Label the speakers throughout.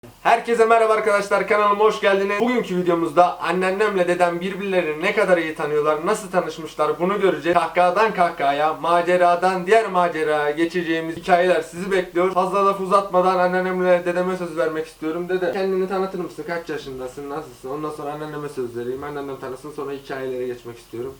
Speaker 1: Herkese merhaba arkadaşlar, kanalıma hoş geldiniz. Bugünkü videomuzda anneannemle dedem birbirlerini ne kadar iyi tanıyorlar, nasıl tanışmışlar bunu göreceğiz. Kahkahadan kahkahaya, maceradan diğer maceraya geçeceğimiz hikayeler sizi bekliyor. Fazla laf uzatmadan anneannemle dedeme söz vermek istiyorum. Dede, kendini tanıtır mısın? Kaç yaşındasın? Nasılsın? Ondan sonra anneanneme söz vereyim. Anneannem tanısın, sonra hikayelere geçmek istiyorum.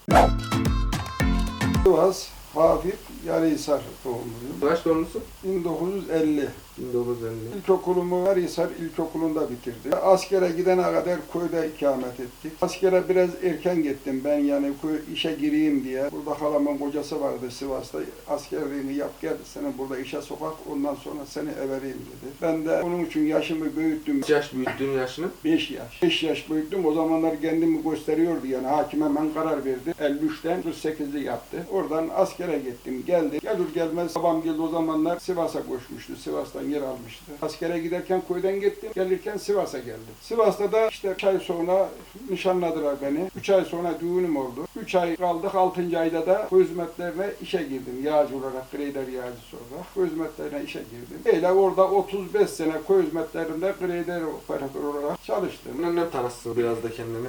Speaker 2: Sivas, Hafif, Yarıhisar doğumluyum.
Speaker 1: Kaç doğumlusun?
Speaker 2: 1950.
Speaker 1: 1950.
Speaker 2: İlkokulumu Yarıhisar İlkokulu'nda bitirdim. Askere gidene kadar köyde ikamet ettik. Askere biraz erken gittim ben, yani işe gireyim diye. Burada halamın kocası vardı Sivas'ta. Askerliğini yap gel, seni burada işe sokak, ondan sonra seni evereyim dedi. Ben de onun için yaşımı büyüttüm.
Speaker 1: Kaç yaş büyüttün yaşını?
Speaker 2: 5 yaş. 5 yaş büyüttüm. O zamanlar kendimi gösteriyordu yani. Hakim hemen karar verdi. 53'ten 38'li yaptı. Oradan askere gittim. Geldi. Gelir gelmez babam geldi, o zamanlar Sivas'a koşmuştu. Sivas'tan yer almıştı. Askere giderken köyden gittim. Gelirken Sivas'a geldim. Sivas'ta da işte 3 ay sonra nişanladılar beni. 3 ay sonra düğünüm oldu. 3 ay kaldık. 6. ayda da köy hizmetlerine işe girdim. Yağcı olarak, greyder yağcısı olarak. Köy hizmetlerine işe girdim. Öyle orada 35 sene köy hizmetlerinde greyder operatör olarak çalıştım.
Speaker 1: Annem tanısın biraz da kendini.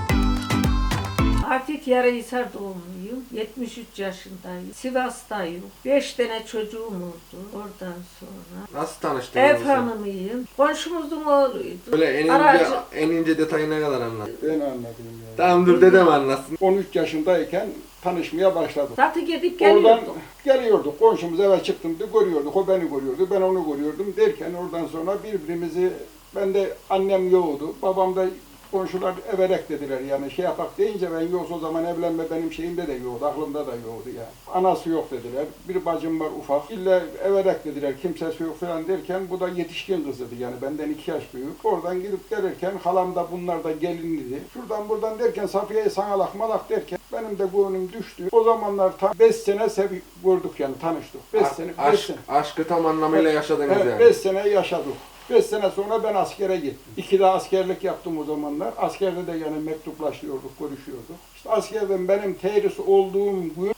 Speaker 3: Hafif Yarıhisar doğumluyum. 73 yaşındayım. Sivas'tayım. 5 tane çocuğum oldu. Oradan sonra.
Speaker 1: Nasıl tanıştın?
Speaker 3: Ev hanımıyım. Komşumuzun oğluydu.
Speaker 1: Böyle en ince detayına kadar anlat.
Speaker 2: Ben anladım yani.
Speaker 1: Tamam dur dedem anlatsın.
Speaker 2: 13 yaşındayken tanışmaya başladık.
Speaker 3: Zaten gidip
Speaker 2: Oradan
Speaker 3: geliyorduk.
Speaker 2: geliyorduk. Komşumuz eve çıktığımda görüyorduk. O beni görüyordu. Ben onu görüyordum. Derken oradan sonra birbirimizi, ben de annem yoğdu. Babam da, komşular everek dediler, yani şey yapak deyince ben yoksa o zaman evlenme benim şeyimde de yoktu, aklımda da yoktu yani. Anası yok dediler, bir bacım var ufak, illa everek dediler, kimsesi yok falan derken bu da yetişkin kızıydı yani benden 2 yaş büyük. Oradan gidip gelirken halam da bunlar da gelinliydi. Şuradan buradan derken Safiye'yi sanalak malak derken benim de gönlüm düştü. O zamanlar tam 5 sene gördük yani, tanıştık. 5 sene.
Speaker 1: Aşkı tam anlamıyla yaşadınız
Speaker 2: Evet,
Speaker 1: yani.
Speaker 2: 5 sene yaşadık. 5 sene sonra ben askere gittim. 2 de askerlik yaptım o zamanlar. Askerde de yani mektuplaşıyorduk, görüşüyorduk. İşte askerden benim terhis olduğum gün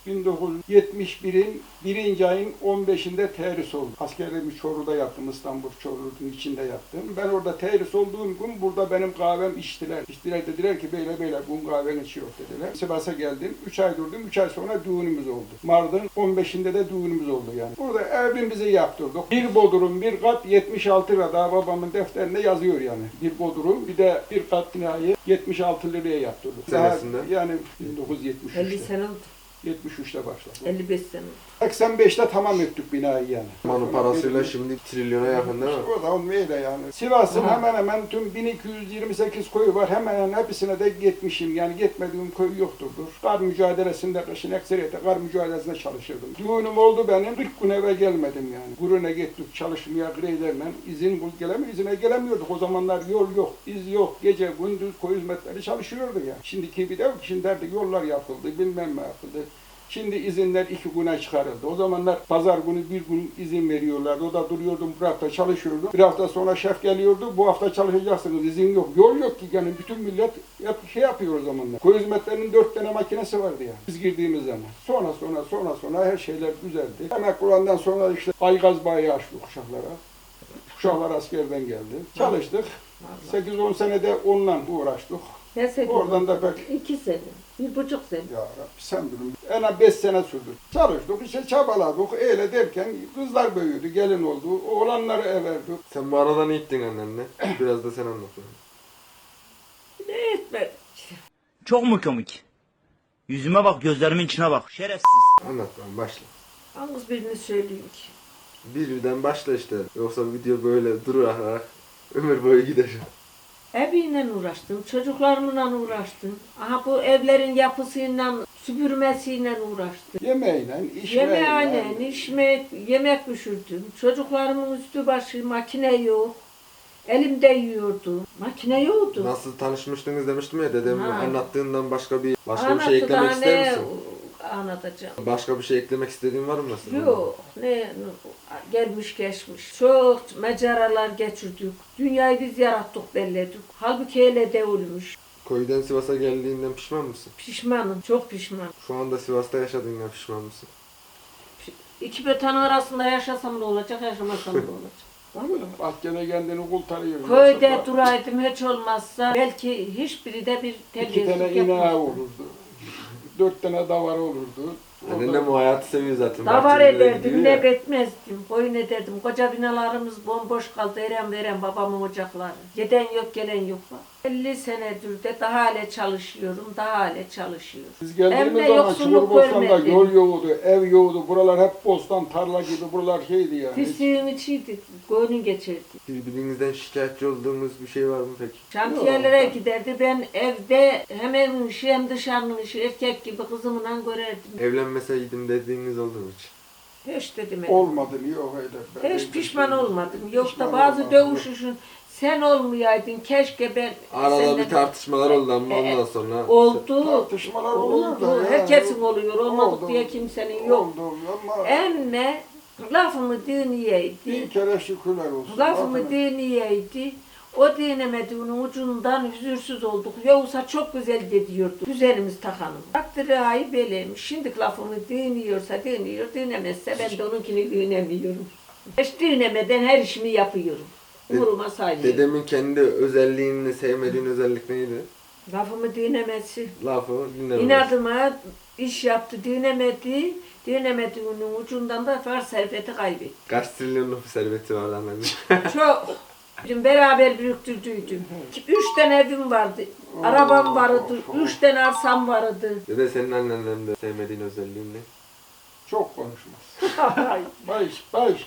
Speaker 2: 1971'in 1. ayın 15'inde terhis oldum. Askerliğimi Çorlu'da yaptım, İstanbul Çorlu'nun içinde yaptım. Ben orada terhis olduğum gün burada benim kahvem içtiler. İçtiler, dediler ki böyle bu kahven içiyor dediler. Sivas'a geldim, 3 ay durdum, 3 ay sonra düğünümüz oldu. Mardin 15'inde de düğünümüz oldu yani. Burada evimizi yaptırdık. Bir bodrum, bir kat 76 lira, daha babamın defterinde yazıyor yani. Bir bodrum, bir de bir kat binayı 76 liraya yaptırdık.
Speaker 1: Senesinde?
Speaker 2: Yani 1973'te.
Speaker 3: 50 sene oldu.
Speaker 2: 73'te başladı.
Speaker 3: 55 sene oldu.
Speaker 2: 85'te tamam ettik binayı yani.
Speaker 1: Manın parasıyla şimdi trilyona yakın değil mi?
Speaker 2: O da onun öyle yani. Sivas'ın hemen hemen tüm 1228 koyu var. Hemen hemen hepsine de gitmişim. Yani gitmediğim köy yoktur. Kar mücadelesinde, kışın ekseriyete kar mücadelesinde çalışırdım. Düğünüm oldu benim. 40 gün eve gelmedim yani. Guruna gittik çalışmaya greylerle. İzine gelemiyorduk. O zamanlar yol yok, iz yok. Gece gündüz koyu hizmetleri çalışıyordu ya. Şimdiki bir de şimdi artık yollar yapıldı, bilmem ne yapıldı. Şimdi izinler 2 güne çıkarıldı. O zamanlar pazar günü 1 gün izin veriyorlardı. O da duruyordum, bir hafta çalışıyordum. Bir hafta sonra şef geliyordu. Bu hafta çalışacaksınız, izin yok. Yol yok ki yani, bütün millet şey yapıyor o zamanlar. Köy hizmetlerinin 4 tane makinesi vardı yani. Biz girdiğimiz zaman. Sonra her şeyler güzeldi. Emekli olandan sonra işte Aygaz bayi açtık Uşaklara. Uşaklar askerden geldi. Çalıştık. 8-10 senede onunla uğraştık.
Speaker 3: Ne sene?
Speaker 2: Oradan da pek
Speaker 3: 2 sene. 1,5 sene.
Speaker 2: ya Rabbi sen bilin. En az 5 sene sürdü. Çalıştık, işte çabaladık. Öyle derken kızlar büyüdü, gelin oldu. Oğlanları everdik.
Speaker 1: Sen bu arada ne ettin annenle? Biraz da sen anlat.
Speaker 3: Ne etmedik.
Speaker 4: Çok mu komik? Yüzüme bak, gözlerimin içine bak. Şerefsiz.
Speaker 1: Anlat lan, başla.
Speaker 3: Yalnız birini söyleyeyim ki.
Speaker 1: Birden başla işte. Yoksa video böyle durarak ömür boyu gider.
Speaker 3: Eviyle uğraştım, çocuklarımla uğraştım. Aha bu evlerin yapısıyla, süpürmesiyle uğraştım.
Speaker 2: Yemeğiyle, işmeyle.
Speaker 3: Yemeğine, yemek pişirdim. Çocuklarımın üstü başı, makine yok. Elimde yiyordum. Makine yoktu.
Speaker 1: Nasıl tanışmıştınız demiştim ya, dedem
Speaker 3: Ha.
Speaker 1: anlattığından başka bir şey
Speaker 3: Anlattı
Speaker 1: eklemek
Speaker 3: da
Speaker 1: ister
Speaker 3: ne
Speaker 1: misin?
Speaker 3: anlatacağım.
Speaker 1: Başka bir şey eklemek istediğin var mı mesela?
Speaker 3: Yok, gelmiş geçmiş. Çok maceralar geçirdik. Dünyayı biz yarattık, belledik. Halbuki öyle değilmiş.
Speaker 1: Köyden Sivas'a geldiğinden pişman mısın?
Speaker 3: Pişmanım, çok pişmanım.
Speaker 1: Şu anda Sivas'ta yaşadığından pişman mısın?
Speaker 3: İki beton arasında yaşasam ne olacak, yaşamasam ne olacak?
Speaker 2: Bahçede kendini kurtarıyor.
Speaker 3: Köyde
Speaker 2: Yoksa
Speaker 3: duraydım hiç olmazsa belki hiçbiri de bir
Speaker 2: 2 tane
Speaker 3: terbiyesizlik
Speaker 2: ineği
Speaker 3: yapmazdı.
Speaker 2: olurdu. 4 tane davarı olurdu.
Speaker 1: Annem o hayatı seviyor zaten.
Speaker 3: Davar
Speaker 1: Bahçelere
Speaker 3: ederdim,
Speaker 1: gidiyor
Speaker 3: ne
Speaker 1: ya.
Speaker 3: etmezdim, koyun ederdim. Koca binalarımız bomboş kaldı, eren veren babamın ocakları. Giden yok, gelen yok var. 50 senedir de daha hala çalışıyorum, daha hala çalışıyorum.
Speaker 2: Biz geldiğimiz
Speaker 3: Emme
Speaker 2: zaman
Speaker 3: yoksulluk
Speaker 2: Çukurbostan'da
Speaker 3: görmedim.
Speaker 2: yol yoktu, ev yoktu. Buralar hep bostan, tarla gibi, buralar şeydi yani.
Speaker 3: Pisliğin içiydi, koyunu geçirdi.
Speaker 1: Birbirinizden şikayetçi olduğumuz bir şey var mı peki?
Speaker 3: Şantiyelere giderdi, ben evde hem evin işi hem dışarının işi erkek gibi kızımla görerdim.
Speaker 1: Evlenmeseydim dediğiniz oldu mu hiç?
Speaker 3: Hiç dedim.
Speaker 2: Olmadı mı? Yok öyle.
Speaker 3: Hiç pişman olmadım. Yok da
Speaker 2: Pişman
Speaker 3: bazı
Speaker 2: olmadım.
Speaker 3: dövüşüşün sen olmayaydın keşke ben
Speaker 1: Arada
Speaker 3: senden-
Speaker 1: bir tartışmalar oldu ama ondan sonra...
Speaker 3: Oldu.
Speaker 2: Tartışmalar oluyor da
Speaker 3: Oldu.
Speaker 2: ya.
Speaker 3: Herkesin oluyor. Olmadık
Speaker 2: Oldu.
Speaker 3: diye kimsenin yok.
Speaker 2: Oldu ama
Speaker 3: Emme lafımı
Speaker 2: bin
Speaker 3: dinleyeydi.
Speaker 2: kere şükürler olsun.
Speaker 3: Lafımı dinleyeydi. O dinemediğinin ucundan hüzursuz olduk. Yoksa çok güzel gidiyordu. Güzelimiz takanım. Takdiri beleymiş. Şimdi lafımı dinliyorsa dinliyor. Dinlemezse ben de onunkini dinlemiyorum. Hiç dinlemeden her işimi yapıyorum. Umuruma saymıyorum.
Speaker 1: Dedemin kendi özelliğini sevmediğin özellik neydi?
Speaker 3: Lafımı dinlemesi.
Speaker 1: Lafı dinlemez.
Speaker 3: İnadıma iş yaptı, dinemedi. Dinemediğinin ucundan da var serveti kaybetti.
Speaker 1: Kaç trilyonluk bir serveti vardı annemin.
Speaker 3: Çok. Bizim beraber büyüktürdüydüm. 3 tane evim vardı. Arabam vardı. 3 tane arsam vardı.
Speaker 1: Dede senin annenden de sevmediğin özelliğin ne?
Speaker 2: Çok konuşmaz. Baş.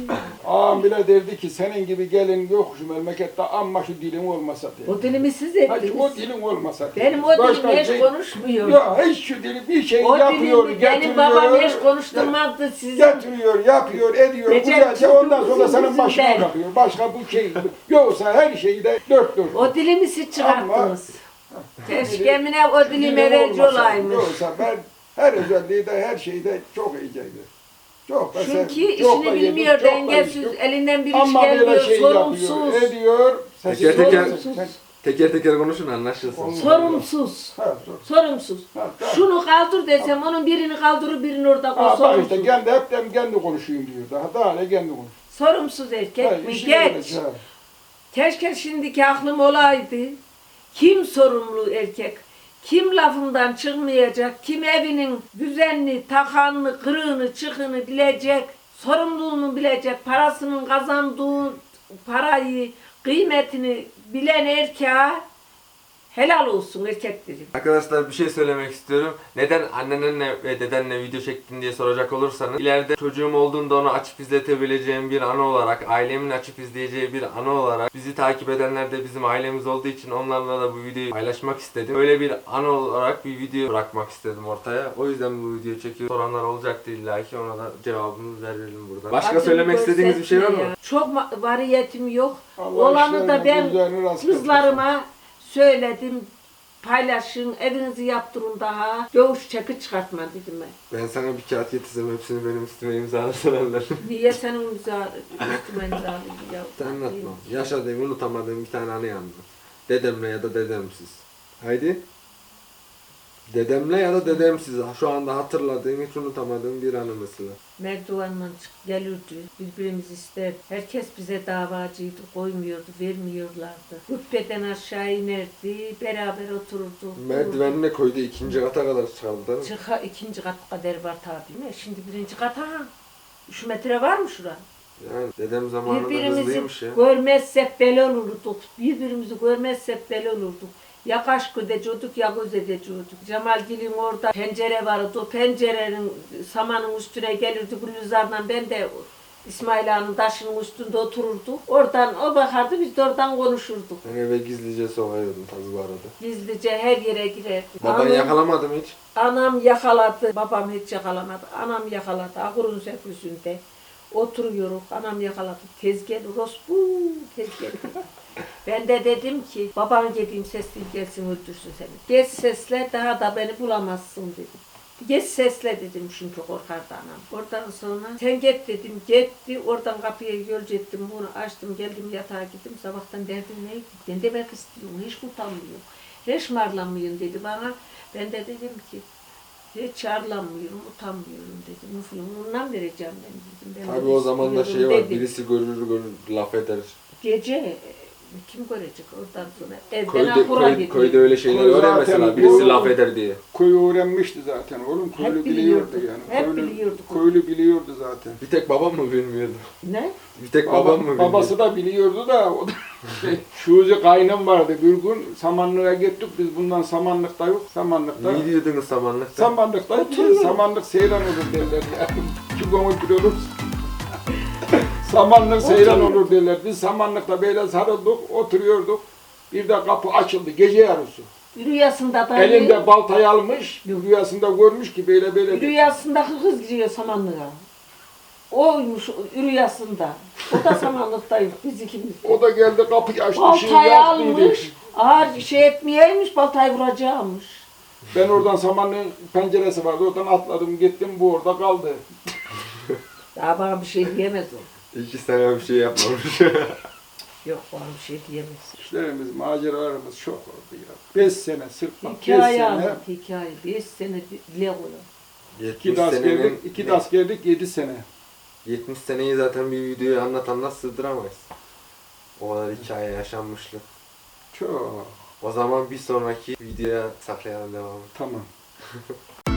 Speaker 2: Ağam bile derdi ki senin gibi gelin yok şu memlekette amma şu dilin olmasa diye.
Speaker 3: O dilimi siz
Speaker 2: Hadi
Speaker 3: ettiniz.
Speaker 2: o dilin olmasa diye.
Speaker 3: Benim o dilim
Speaker 2: Başka
Speaker 3: hiç
Speaker 2: şey-
Speaker 3: konuşmuyor.
Speaker 2: Ya hiç şu dili bir şey
Speaker 3: O
Speaker 2: yapıyor,
Speaker 3: dilimi
Speaker 2: getiriyor.
Speaker 3: benim babam hiç konuşturmazdı sizi.
Speaker 2: Getiriyor, yapıyor, ediyor.
Speaker 3: Recep
Speaker 2: Güzelce ondan sonra
Speaker 3: Çubuk
Speaker 2: senin başına
Speaker 3: yüzünden.
Speaker 2: bakıyor. Başka bu şey yoksa her şeyi de dört dört.
Speaker 3: O dilimi siz çıkarttınız. Keşke emine o
Speaker 2: Şu
Speaker 3: dilim
Speaker 2: dilim
Speaker 3: evvelci
Speaker 2: olmasa,
Speaker 3: olaymış.
Speaker 2: Yoksa ben her özelliği de her şeyi de çok iyiceydi. Çok da
Speaker 3: Çünkü
Speaker 2: sevdim, çok da
Speaker 3: işini
Speaker 2: yedim,
Speaker 3: bilmiyor,
Speaker 2: çok da
Speaker 3: dengesiz,
Speaker 2: içtim.
Speaker 3: elinden bir iş
Speaker 2: Ama böyle
Speaker 3: gelmiyor,
Speaker 2: şey
Speaker 3: sorumsuz.
Speaker 2: yapıyor, ediyor.
Speaker 1: Teker teker,
Speaker 3: Sorumsuz.
Speaker 1: teker teker konuşun anlaşılsın.
Speaker 2: Olmaz.
Speaker 3: Sorumsuz.
Speaker 2: Ha,
Speaker 3: Sorumsuz.
Speaker 2: ha.
Speaker 3: Şunu kaldır desem onun birini kaldırır birini orada koy.
Speaker 2: Bak işte
Speaker 3: Sorumsuz.
Speaker 2: kendi konuşayım diyor. Daha ne kendi konuş.
Speaker 3: Sorumsuz erkek
Speaker 2: Ha,
Speaker 3: mi?
Speaker 2: işini
Speaker 3: Geç.
Speaker 2: bilecek, ha.
Speaker 3: Keşke şimdiki aklım olaydı. Kim sorumlu erkek? Kim lafından çıkmayacak? Kim evinin düzenli, takanını, kırığını, çıkını bilecek? Sorumluluğunu bilecek? Parasının kazandığı parayı, kıymetini bilen erkeğe helal olsun erkek dedim.
Speaker 1: Arkadaşlar bir şey söylemek istiyorum. Neden annenle ve dedenle video çektin diye soracak olursanız ileride çocuğum olduğunda onu açıp izletebileceğim bir anı olarak, ailemin açıp izleyeceği bir anı olarak bizi takip edenler de bizim ailemiz olduğu için onlarla da bu videoyu paylaşmak istedim. Öyle bir anı olarak bir video bırakmak istedim ortaya. O yüzden bu videoyu çekiyorum. Soranlar olacaktır illa ki ona da cevabımızı verelim burada. Başka
Speaker 3: Adını
Speaker 1: söylemek istediğiniz bir şey var mı?
Speaker 3: gösterme ya. Çok variyetim yok.
Speaker 2: Allah
Speaker 3: Olanı da
Speaker 2: işlerini,
Speaker 3: ben
Speaker 2: güzelini rast
Speaker 3: kızlarıma söyledim. Paylaşın, evinizi yaptırın daha. Dövüş çeki çıkartma dedim ben.
Speaker 1: Ben sana bir kağıt getirsem hepsini benim üstüme imzalasınlar.
Speaker 3: Niye senin üstüme imzaladın ya?
Speaker 1: Sen anlatma. Yaşadığım, unutamadığım bir tane anı yandı. Dedemle ya da dedemsiz. Haydi. Dedemle ya da dedemsiz. Şu anda hatırladığım, hiç unutamadığım bir anı mesela.
Speaker 3: Merdivenle çık gelirdi, birbirimizi isterdi. Herkes bize davacıydı, koymuyordu, vermiyorlardı. Hübbeden aşağı inerdi, beraber otururduk.
Speaker 1: Merdivenine koydu, ikinci kata kadar çıkardı değil mi?
Speaker 3: Çıka ikinci kat kadar var tabii mi? Şimdi birinci kat ha. 3 metre var mı şura?
Speaker 1: Yani dedem zamanında
Speaker 3: Birbirimizi
Speaker 1: hızlıymış ya.
Speaker 3: görmezsek bel olurduk. Birbirimizi görmezsek bel olurduk. Ya kaş gödeciyorduk ya göz edeciyorduk. Cemalgil'in orada pencere vardı. O pencerenin samanın üstüne gelirdi Gülüzar'la ben de İsmail Ağa'nın taşının üstünde otururduk. Oradan o bakardı biz de oradan konuşurduk.
Speaker 1: Ben eve gizlice sokuyordum tabii bu arada.
Speaker 3: Gizlice her yere girerdi.
Speaker 1: Baban yakalamadı mı hiç?
Speaker 3: Anam yakaladı. Babam hiç yakalamadı. Anam yakaladı. Ahurun sefüsünde. Oturuyoruz. Anam yakaladı. Tez gel orospu. Tez gel. Ben de dedim ki baban dediğim sesli gelsin öldürsün seni. Geç sesle daha da beni bulamazsın dedim. Geç sesle dedim çünkü korkardı anam. Oradan sonra sen git dedim. Gitti. Oradan kapıya yolcu ettim. Bunu açtım geldim yatağa gittim. Sabahtan derdim neydi? Ben de belki istiyorum. Hiç utanmıyorum. Hiç marlanmıyorum dedi bana. Ben de dedim ki Hiç arlanmıyorum, utanmıyorum dedim. Müflümünden vereceğim ben dedim. Ben
Speaker 1: Tabii
Speaker 3: de
Speaker 1: o zaman da
Speaker 3: istiyorum
Speaker 1: şey var,
Speaker 3: dedim.
Speaker 1: birisi görür laf eder.
Speaker 3: Gece kim görecek oradan sonra? Evden
Speaker 1: Köyde,
Speaker 3: ahura gidiyor.
Speaker 1: köyde öyle şeyler
Speaker 2: Köy
Speaker 1: var ya
Speaker 2: zaten
Speaker 1: mesela, birisi
Speaker 2: bu-
Speaker 1: laf eder diye.
Speaker 2: Köyü öğrenmişti zaten oğlum.
Speaker 3: Hep
Speaker 2: Köylü
Speaker 3: biliyordu.
Speaker 2: biliyordu yani.
Speaker 3: Hep
Speaker 2: Köylü,
Speaker 3: biliyordu.
Speaker 2: köylü biliyordu zaten.
Speaker 1: Bir tek babam mı bilmiyordu?
Speaker 3: Ne?
Speaker 1: Bir tek babam mı bilmiyordu?
Speaker 2: Babası da biliyordu da o da Şuzi kaynım vardı bir gün Samanlık'a gittik biz bundan Samanlık'ta yok Samanlık'ta.
Speaker 1: Ne diyordunuz samanlıkta?
Speaker 2: Samanlık'ta
Speaker 3: Oturuyorum.
Speaker 2: Samanlık seyran olur derler yani. Çünkü onu biliyoruz. Samanlık seyran olur derler. Biz Samanlık'ta böyle sarıldık, oturuyorduk. Bir de kapı açıldı gece yarısı.
Speaker 3: Rüyasında da
Speaker 2: Elinde baltayı almış, rüyasında görmüş ki böyle böyle.
Speaker 3: rüyasında kız giriyor samanlığa. Oymuş rüyasında. O da samanlıktayız biz ikimiz.
Speaker 2: O da geldi kapıyı açtı, şey
Speaker 3: Baltayı
Speaker 2: yaptıydı.
Speaker 3: almış. Ağır şey etmeyeymiş, baltayı vuracakmış.
Speaker 2: Ben oradan Samanlık'ın penceresi vardı, oradan atladım gittim, bu orada kaldı.
Speaker 3: Daha bana bir şey diyemez o.
Speaker 1: 2 sene bir şey yapmamış.
Speaker 3: Yok bana bir şey diyemez.
Speaker 2: İşlerimiz, maceralarımız çok oldu ya. 5 sene sırf bak, 5
Speaker 3: Hikaye
Speaker 2: sene.
Speaker 3: anlat, hikaye. 5 sene dile koyuyor.
Speaker 2: 2 de askerlik, 2 de askerlik 7 sene.
Speaker 1: 70 seneyi zaten bir videoya anlat sığdıramayız. O kadar hikaye yaşanmışlık.
Speaker 2: Çok.
Speaker 1: O zaman bir sonraki videoya saklayalım devamı.
Speaker 2: Tamam.